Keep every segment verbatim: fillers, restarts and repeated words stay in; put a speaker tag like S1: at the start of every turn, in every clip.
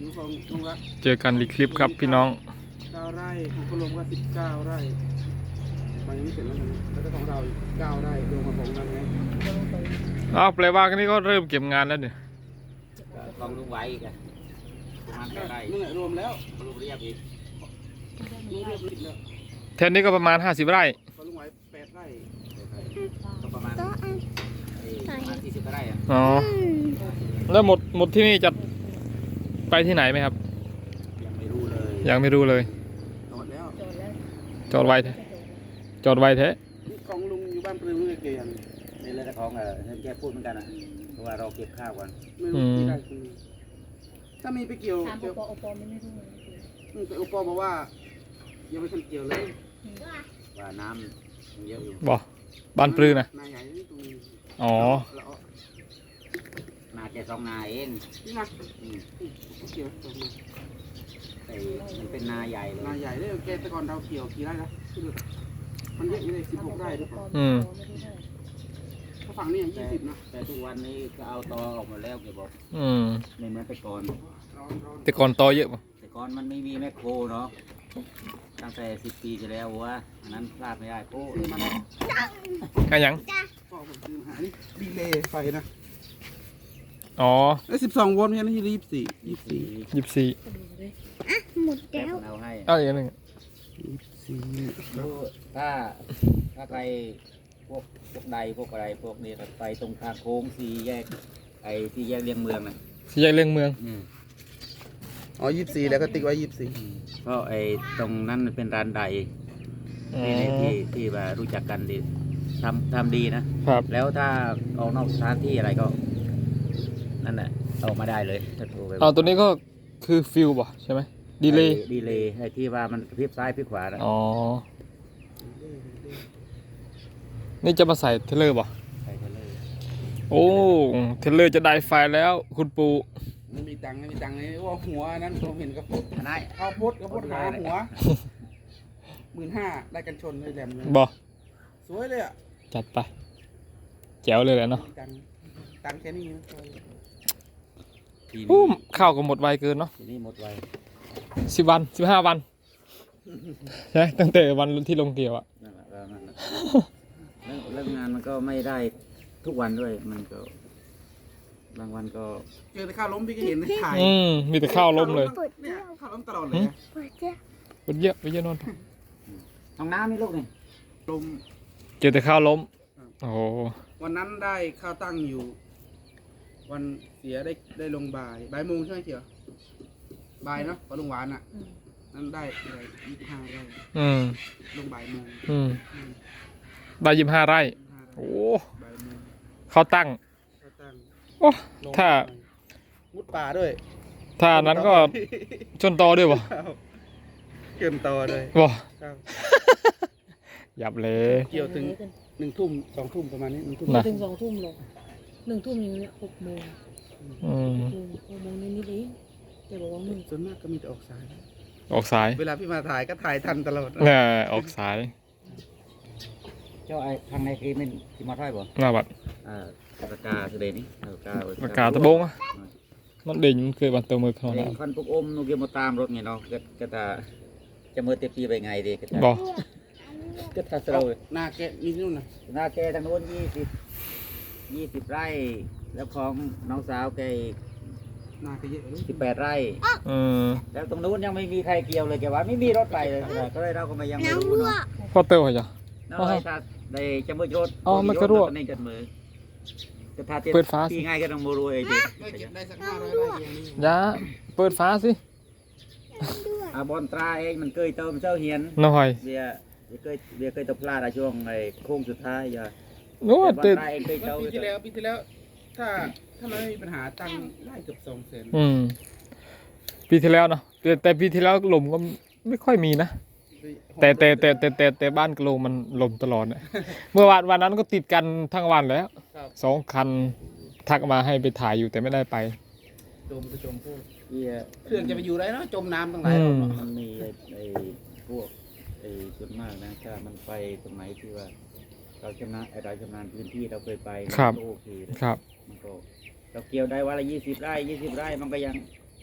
S1: ลุงฟองลุงรัก
S2: เจอกันในคลิปครับพี่น้อง
S1: เก้าไร่ของคุณลุงก็สิบเก้าไร่มันยังไม่เสร็จแล้วนะแล้วก็ของเราอีกเก้าไร่รวมกับของนั่นไง
S2: อ้าวแปลว่ากันนี้ก็เริ่มเก็บงานแล้วเนี่ย
S3: ของลุงไว้อีกอะประมาณเท่าไหร่
S1: นี่รวมแล้ว
S3: ลุงเรียบอีก
S1: ลุงเรียบอีกแล้ว
S2: แทนนี้ก็ประมาณห้าสิบไร่
S1: ของลุงไว้แปดไร่
S3: ก็ประมาณประมาณสี่สิบไร่อะ
S2: อ๋อแล้วหมดหมดที่นี่จะไปที่ไหนไหมครับ
S3: ยังไม่รู้เลย
S2: ยังไม่รู้เลย
S1: จอดแล้ว
S2: จอดไว้แท้จอดไว้แท้
S1: ของลุงอยู่บ้านปลือลุงเกย์
S3: นี่เลยแต่ของเออแกพูดเหมือนกันนะเพราะว่าเราเก็บข้าวก่อน
S1: ไม่รู้ที่ได้คือถ้ามีไปเกี่ยว
S4: ถามโอปอโอปอไม่ไม่รู้เลย
S1: แต่โอปอบอกว่ายังไม่ทันเกี่ยวเลย
S3: ว่าน้ำเยอะอยู่
S2: บ่บ้านปลือนะ
S1: นาใหญ่ตรงนี้
S2: อ๋อ
S3: นาแกสองนาเอง
S1: นี่นะเกี่ยวตรงนี้
S3: แต่มันเป็นนาใหญ่เลย
S1: นาใหญ่เลยแกแต่ก่อนเราเกี่ยวกี่ไร่นะมันเยอะอยู่เลยสิบหกไร่ด้วย
S2: อืม
S1: ฝั่งนี้ยี่สิบนะ
S3: แต่ทุกวันนี้ก็เอาตอออกมาแล้วแกบอก
S2: อืม
S3: ไม่เหมือนแต่ก่อน
S2: แต่ก่อนตอเยอะป่ะ
S3: แต่ก่อนมันไม่มีแมคโครเนาะตั้งแต่สิบปีที่แล้วว่าอันนั้นพลาดไม่ได้โอ้ยมัน
S2: กันยัง
S1: ก็ผมซื้อมานี่ดีเลย์ไฟนะ
S2: อ๋อ
S1: แล้วสิบสองโวลต์เนี่ยนี่ยี่สิบสี่ยี่สิบสี่
S2: ยี่สิบสี่
S4: หมดแล้ว
S3: เอาให้
S2: เอาอย่างนึง
S1: ยี่สิบสี่
S3: ถ้าถ้าใครพวกพวกใดพวกอะไรพวกนี้ไปตรงทางโค้งสี่แยกไอ้สี่แยกเลียงเมืองนะ
S2: สี่แยกเลียงเมือง
S1: อ๋อยี่สิบสี่แล้วก็ติ๊กไว้ยี่สิบสี่
S3: เพราะไอ้ตรงนั้นเป็นร้านใดที่ที่ที่ว่ารู้จักกันดีทำทำดีนะครับแล้วถ้าออกนอกสถานที่อะไรก็นั่นแหละออกมาได้เลย
S2: อ๋อตัวนี้ก็คือฟิลบ่ใช่ไหมดีเลย์
S3: ดีเลย์ไอ้ที่ว่ามันพลิกซ้ายพลิกขวานะ
S2: อ๋อนี่จะมาใส่เทเลอร์ป่ะ
S3: ใส่เทเลอร์
S2: โอ้เทเลอร์จะได้ไฟแล้วคุณปู
S1: ไม่มีตังค์ไม่มีตังค์เลยว่าหัวนั้นผมเห็นกับ
S3: นาย
S1: ข้าวโพดข้าวโพดหาหัวหมื่นห้าได้กันชนเลยแหลมเลย
S2: บ่
S1: สวยเลยอ่ะ
S2: จัดไปแจ๋วเลยแหละเนาะ
S1: ตังค์ตังค์แค่นี้
S2: อู้ข้าวก็หมดไวเกินเนาะ
S3: ทีนี้หมดไว
S2: สิบวันสิบห้าวันใช่ตั้งแต่วันที่ลงเกี่ยวอ่ะ
S3: เรื่องงานมันก็ไม่ได้ทุกวันด้วยมันก็บางวันก็
S1: เจอแต่ข้าวล้มพี่ก็เห็นในถ่าย
S2: อืมมีแต่ข้าวล้มเลย
S1: เนี่ยข้าวล้มตลอดเลย
S2: ปวดเยอะปวดเยอะนอน
S3: ห้องน้ำนี่ลูกนี่
S1: ล้ม
S2: เจอแต่ข้าวล้มโอ้
S1: วันนั้นได้ข้าวตั้งอยู่วันเสียได้ได้ลงบ่ายบ่ายโมงใช่ไหมเกี่ยวบ่ายเนาะพอลงหวานอ่ะนั้นได้อะไรยี่สิบห้าไร่ลงบ่ายโมง
S2: ได้ยี่สิบห้าไร่โอ้เขาตั้งโอ้ถ้า
S1: มุดป่าด้วย
S2: ถ้านั้นก็ชนตอด้วยบ่
S1: เกี่ยวตอด้วย
S2: บ่หยับเลย
S1: เกี่ยวถึงหนึ่งทุ่มสองทุ่มประมาณนี้หนึ่งทุ่ม
S4: ถึงสองทุ่มเลยหนึ่งทุ่มอย่างเงี้ยหกโมงหกโมงนิดๆเองแต่บอกว่ามึง
S1: ส่วนมากก็มีแต่ออกสาย
S2: ออกสาย
S1: เวลาพี่มาถ่ายก็ถ่ายทันตลอด
S2: เนี่ยออกสาย
S3: เจ้าไอ้ทางในคือมันที่มาท่อยบ่
S2: หน้าบัด
S3: อ่าปากกาคือเดนี่ปากกา
S2: ปากกาตะบงอ่ะมันเด่นมันเคยบันเตอมือเขา
S3: เนี่ยคันพวกอมนูเกี่ยวมาตามรถไงเนาะก็ก็ตาจะมือเตปีไปไงดีก็
S2: บ่
S3: ก็ถ้าเรา
S1: หน้าแกมีนู่นนะ
S3: หน้าแกทางโน้นยี่สิบยี่สิบไร่แล้วของน้องสาวแก
S1: หน้าแกเยอะ
S3: สิบแปดไร่แล้วตรงนู้นยังไม่มีใครเกี่ยวเลยแกว่าไม่มีรถไปเลยก็เลยเราก็มายังไม่รู้เนาะ
S2: พอเตอร์เหรอ
S3: น้อยถ้าได้จะมือรถ
S2: อ๋อมันก็รั่ว
S3: นี่กันมือจะทา
S2: เปิดฟ้า
S3: ที่ง่ายก็ต้องมือรวยดิ
S1: ได้สักห้าร้อยไร่อย่างนี้
S2: ยาเปิดฟ้าสิ
S3: อาบอลตราเองมันเคยเติมเจ้าเหียน
S2: น้อย
S3: เบียเคยเบียเคยตกปลาในช่วงในโค้งสุดท้ายอย่า
S2: โน้ต
S3: ตราเองเคยเจ้า
S1: ปีที่แล้วปีที่แล้วถ้าถ้าไม่มีปัญหาตังได้เกือบสองแสน
S2: อืมปีที่แล้วเนาะแต่แต่ปีที่แล้วลมก็ไม่ค่อยมีนะแต่แต่แต่แต่แต่แต่บ้านกระโลงมันลมตลอดเนี่ยเมื่อวานวันนั้นก็ติดกันทั้งวันแล้วสองคันทักมาให้ไปถ่ายอยู่แต่ไม่ได้ไป
S1: จมจะจมพวกเครื่องจะไปอยู่ไรเนาะจมน้ำตั้งหลาย
S3: มันมีไอ้พวกไอ้ส่วนมากนะถ้ามันไปตรงไหนที่ว่าเราชำนาญไอ้เราชำนาญพื้นที่เราเคยไป
S2: ครับ
S3: โอเค
S2: ครับ
S3: มันก็เราเกี่ยวได้วันละยี่สิบไร่ยี่สิบไร่มันก็ยัง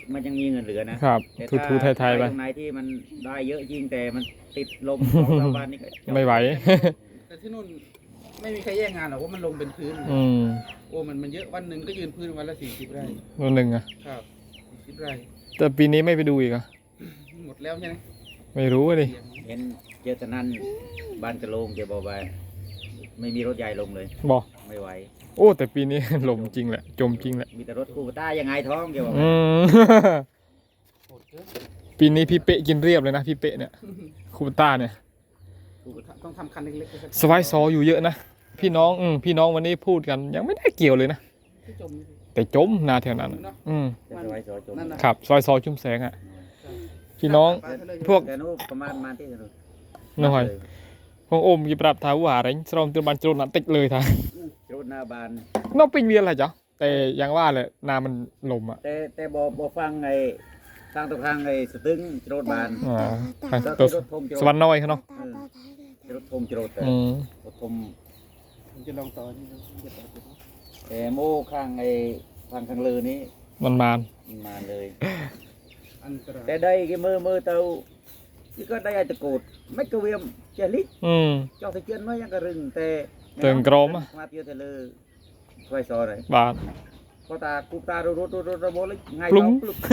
S3: มันยังมีเงินเหลือนะครับ แต่
S2: ทู
S3: ถ้า
S2: ทูไทยไทยๆไป
S3: ตรงไหนที่มันได้เยอะจริงแต่มันติดลมสองสามวันนี่ก็จบ
S2: ไม่ไหว
S1: แต่ที่นู่นไม่มีใครแย่งงานหรอกว่ามันลงเป็นพื้น
S2: อืม
S1: โอ้มันมันเยอะวันหนึ่งก็ยืนพื้นวันละสี่สิบไร่
S2: ตัวหนึ่งอะ
S1: ครับสี่สิบไร่
S2: แต่ปีนี้ไม่ไปดูอีกอะ
S1: หมดแล้วใช่ไหม
S2: ไม่รู้อะดิ
S1: เสียง
S3: เห็นเจตนันบ้านกระโลงแกบอกว่าไม่มีรถใหญ่ลงเลย
S2: บอก
S3: ไม่ไหว
S2: โอ้แต่ปีนี้ หลมจริงแหละ จมจริงแหละ
S3: มีแต่รถคูปต้ายังไงท้องแกบอก
S2: อื
S3: ว่า
S2: ม ปีนี้พี่เป๊ะกินเรียบเลยนะพี่เป๊ะเนี่ยคูปต้าเนี่ย
S1: ต้องทำคันเล็กๆ
S2: สไวซออยู่เยอะนะพี่น้องอืมพี่น้องวันนี้พูดกันยังไม่ได้เกี่ยวเลยนะ
S1: ที่จมนี่
S2: แต่จมนาแถวนั้นอะอืม
S3: จะไปไว้ซอยจม
S1: นั่นน่ะ
S2: ครับซอยซอชุ่มแสงอ่ะพี่น้อง พวก
S3: แต่นู้นประมาณมาที่นู้น
S2: น้อยพวกโอมกีปรับท้าว่าอะไรสรองตัวบันโจรนัดติดเลยท่า
S3: รถหน้าบาน
S2: น้องปิงเวียนอะไรจ๊ะแต่ยังว่าเลยนามันลมอ่ะ
S3: แต่แต่บอบอฟังไอ้ทางตรงทางไอ้สตึงรถบาน
S2: อ่า
S3: ก็
S2: ตัว
S3: คือรถทมจ
S2: สวรรค์น้อยเขาเนาะ
S3: เออรถทมจรถแต่
S2: อืม
S3: รถทม
S1: ผมจะลองต่อนี่เดี๋ยวต่อเดี๋ยวต่อ
S3: แต่โม่ข้างไอ้ทางข้างเลือนี้
S2: มันมาน
S3: มันมาเลย
S1: อันตราย
S3: แต่ได้cái mơ mơ tàu chỉ có đây là tự cột mấy cái viêm chè lít
S2: อืม
S3: cho thấy chân nó cái rừng tè
S2: Tường crom á.
S3: mà tiêu thì lơ quay sò rồi
S2: บาท
S3: có ta cụp ta rồi rồi rồi rồi rồi bố lấy ngay
S2: ปลุ้ง
S3: đó lúc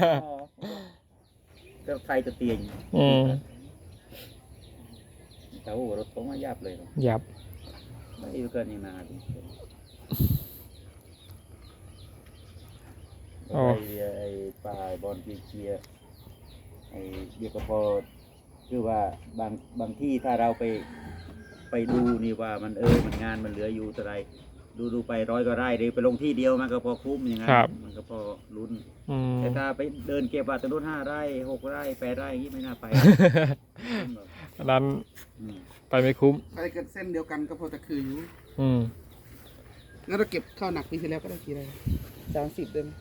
S3: cái thay từ tiền
S2: อืม
S3: cháu của nó tống nó giápเลย
S2: หยับ
S3: mấy yêu cân như nào thì
S2: Ồ.
S3: ไอ้ปลาบอลเชียร์ไอ้เบียกพอคือว่าบางบางที่ถ้าเราไปไปดูนี่ว่ามันเออมันงานมันเหลืออยู่เท่าไรดูดูไปร้อยก็ไร่หรือไปลงที่เดียวมันก็พอคุ้มอย่างนั้น
S2: ครับ
S3: มันก็พอลุ้น
S2: อืม
S3: แต่ถ้าไปเดินเก็บว่าตะนุนห้าไร่หกไร่แปดไร่อย่างนี้ไม่น่าไป
S2: อันนั้น
S3: อืม
S2: ไปไม่คุ้ม
S1: ใครเกิดเส้นเดียวกันก็พอตะคืออยู่
S2: อืม
S1: งั้นเราเก็บข้าวหนักปีที่แล้วก็ได้กี่ไร่สามสิบได้ไหม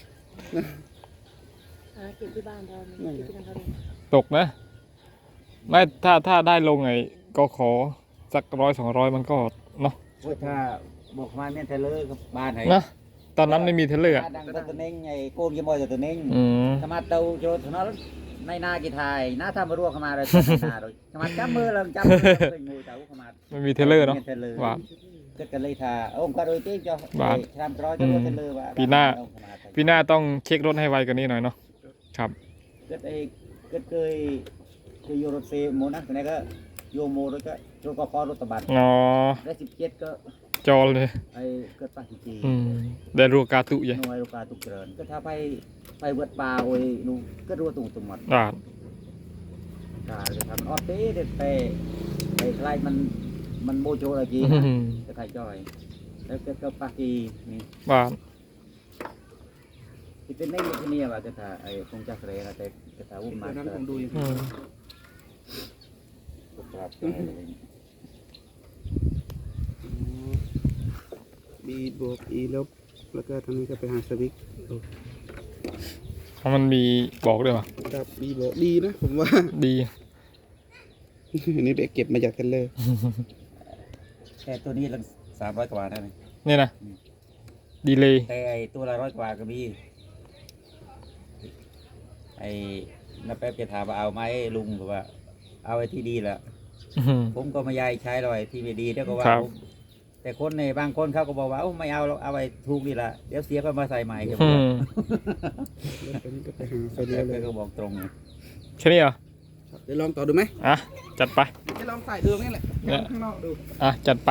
S4: อ่าเก็บที่บ้านเราเนี่ยเก็บที่บ้านเขาเลย
S2: ตกนะ ไม่ถ้าถ้าได้ลงไงก็ขอสักร้อยสองร้อยมันก็เนาะ
S3: โอ้ยถ้าบอกมาเนี่ยเทเลอร์กับบ้านไหน
S2: นะตอนนั้นไม่มีเทเลอร์อะ
S3: ดังตะตะเน่งไงโกนยี่มอยตะตะเน่ง
S2: อืม
S3: ขมาเตาโจทย์นั้นในนากีไทยน้าทำมารั่วขมาเลยนาเลยขมาจับมือเราจับมือเป็นงูเตาขมา
S2: ไม่มีเทเลอร์เนาะ
S3: เทเลอร์
S2: ว่า
S3: ก็กันเลยท่าองค์ก็โดยที่จะ
S2: บาท
S3: ทำร้อยจะรู้เทเลอร์ว่า
S2: ปีหน้า พี่หน้าต้องเช็ครถให้ไวกว่านี้หน่อยเนาะครับ
S3: ก็ไอ้ก็เคยเคยโยรถเซโมนักแต่ไหนก็โยโมรถก็รถก็คอรถตะบัด
S2: อ๋อ
S3: ได้สิบเจ็ดก็
S2: จอเลย
S3: ไอ้เกิดปาจิจี
S2: อืมได้รัวกาตุใหญ่
S3: หน่วยโลกาตุกเจริญก็ถ้าไปไปเวิร์ดป่าโอ้ยนูก็รัวตุ่มตุ่มหมด
S2: อ่า
S3: กาเลยทำออเต้เด็ดเตะไอ้ใครมันมันโมโจอะไรจี
S2: อื
S3: นะ
S2: ม
S3: ก็ไทยจอยแล้วก็ก็ปากีนี่
S2: บ้าน
S3: ที่เป็นในที่นี่ว่าก็ถ้าไอ้คงจักรเรนะแต่ก็ถ้าอุ้ม
S1: ต
S3: มา
S1: อนนั้น
S3: ก็
S1: ผมดูอยู่
S2: อืม
S3: ก็ครับ
S1: บีบวกอีลบแล้วก็ทางนี้ก็ไปหาสวิก
S2: เพราะมันมีบอกด้วยป่ะ
S1: ครับบีบวกดีนะผมว่า
S2: ดี
S1: อันนี้ไปเก็บมาจากเทเลอร์
S3: แค่ตัวนี้ละสามร้อยกว่าได้ไหม
S2: นี่นะดีเลย
S3: แต่ไอ้ตัวละร้อยกว่าก็มีไอ้น้าแป๊บจะถามว่าเอาไหมลุงบอกว่า เอาไอ้ที่ดีแหละ ผมก็ไม่ยายใช้เลยที่ไม่ดีเดี๋ยวก็ว่า
S2: ครับ
S3: ผมแต่คนในบางคนเขาก็บอกว่าเอ้าไม่เอาเราเอาไปถูกดีละเดี๋ยวเสียก็มาใส่ใหม่เดี๋ยว
S2: อืม
S1: แล้วตอนนี้ก็ไปหาไฟ
S3: เดี๋
S1: เลี้
S3: ย
S1: ยว วเลย
S3: ก็บอกตรง
S2: แค่นี้เหรอ
S1: เดี๋ยวลองต่อดูไหม
S2: อ่ะจัดไป
S1: จะลองใส่ดูนี่แหละ
S2: เนี่ย
S1: ข้างนอกดู
S2: อ่ะจัดไป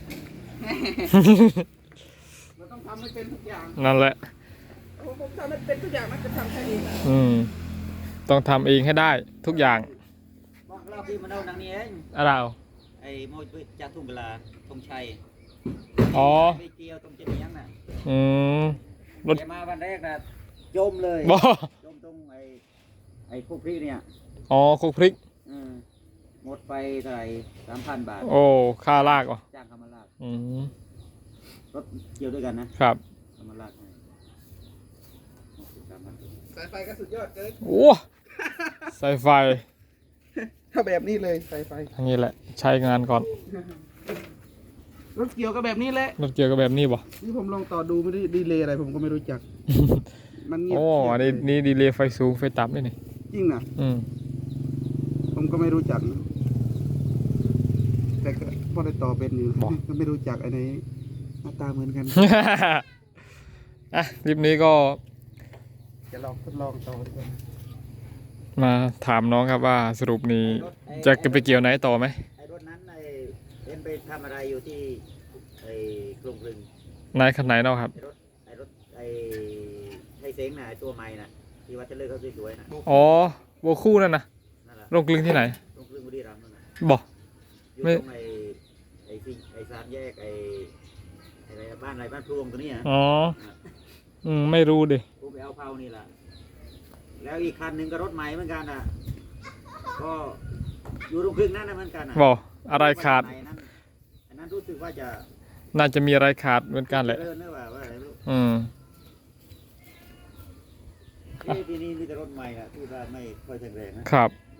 S1: มันต้องทำให้เป็นทุกอย่าง
S2: นั่นแหละ
S1: ผมผมทำให้เป็นทุกอย่างมันจะทำแค่นี้นะ
S2: อืมต้องทำเองให้ได้ทุกอย่าง
S3: บอกเราพี่มาเอาหนังนี้เอง
S2: อะไรเอา
S3: ไอ้โมยจากทุ่งเวลาธงชัย
S2: อ๋อ
S3: ไปเกี่ยวตรงเจียงน่ะ
S2: อืม รถ
S3: แกมาวันแรกน่ะจมเลย
S2: บ่
S3: จมตรงไอ้ไอ้พวกพี่เนี่ย
S2: อ๋อคุกพริก
S3: อืมหมดไปเท่าไหร่สามพันบาท
S2: โอ้ค่าลากอ่ะ
S3: จ้างเขามาลาก
S2: อืม
S3: รถเกี่ยวด้วยกันนะครับ เขามาลากให้สามพัน
S1: สายไฟก็สุดยอดเกิน
S2: โอ้สายไฟ
S1: ถ้าแบบนี้เลยสายไฟ
S2: อย่างนี้แหละ ใช้งานก่อน
S1: รถเกี่ยวก็แบบนี้แหละ
S2: รถเกี่ยวกับแบบนี้บ่
S1: นี่ผมลองต่อดูไม่ได้ดีเลยอะไรผมก็ไม่รู้จักมันเงียบ
S2: โอ้
S1: เชียบ
S2: อันนี้
S1: เลย
S2: นี่ดีเลย์ไฟสูงไฟต่ำนี่นี่
S1: จริงนะ
S2: อืม
S1: ผมก็ไม่รู้จักนะแต่ก็พอได้ต่อเป็นอยู่ ก็ไม่รู้จักไอ้ไหนหน้าตาเหมือนกัน
S2: อ่ะคลิปนี้ก็
S1: จะลองทดลองต่อดีกว่า
S2: มาถามน้องครับว่าสรุปนี้จะไปเกี่ยวไหนต่อไหม
S3: ไอ้รถนั้นไอ้เอ็นไปทำอะไรอยู่ที่ไอ้กรุงกรึง
S2: นายคันไหนเนาะครับ
S3: ไอ้รถไอ้รถไอ้ไอ้เซ้งน่ะไอ้ตัวใหม่น่ะที่ว่าจะเลิกเขาสวยๆน่ะ
S2: อ๋อโบคู่นั่นนะ
S3: นั่นแหละ
S2: ลงกลึงที่ไหน
S3: กรุงกรึงบุรีรัมย์นั่นน่ะ
S2: บอก
S3: อยู่
S2: ไม่
S3: ตรงไอ้ไอ้ที่ไอ้สามแยกไอ้ไอ้อะไรบ้านอะไรบ้านพลวงตัวนี้อ่ะ
S2: อ๋อ อืมไม่รู้ดิ
S3: ผมไปเอาเผานี่แหละแล้วอีกคันหนึ่งก็รถใหม่เหมือนกันอ่ะก็อยู่ตรงกรึงนั่นนะเหมือนกันอ่ะ
S2: บอกอะไรขาด
S3: ไหนนั่นอันนั้นรู้สึกว่าจะ
S2: น่าจะมีอะไรขาดเหมือนกันแหละ
S3: เลิศนะว่าว่าอะไรไม่รู้
S2: อืม
S3: เอ้ยทีนี้มีแต่รถใหม่อะที่ว่าไม่ค่อยแข็งแรงนะครับ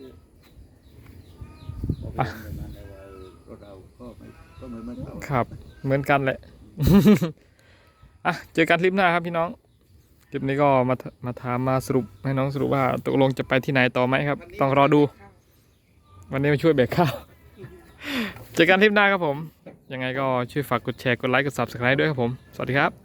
S3: พอไปเห็นแบบนั้นแล้วว่าเออรถเราก็ไม่ก็เหมือนเหมือนเขา
S2: ครับ เหมือนกันแหละ อ่ะ เจอกันคลิปหน้าครับพี่น้อง คลิปนี้ก็มามาถามมาสรุปให้น้องสรุปว่าตกลงจะไปที่ไหนต่อไหมครับ ต้องรอดู วันนี้มาช่วยแบกข้าว เจอกันคลิปหน้าครับผม ยังไงก็ช่วยฝากกดแชร์ กดไลค์ กด ซับสไครบ์ ด้วยครับผม สวัสดีครับ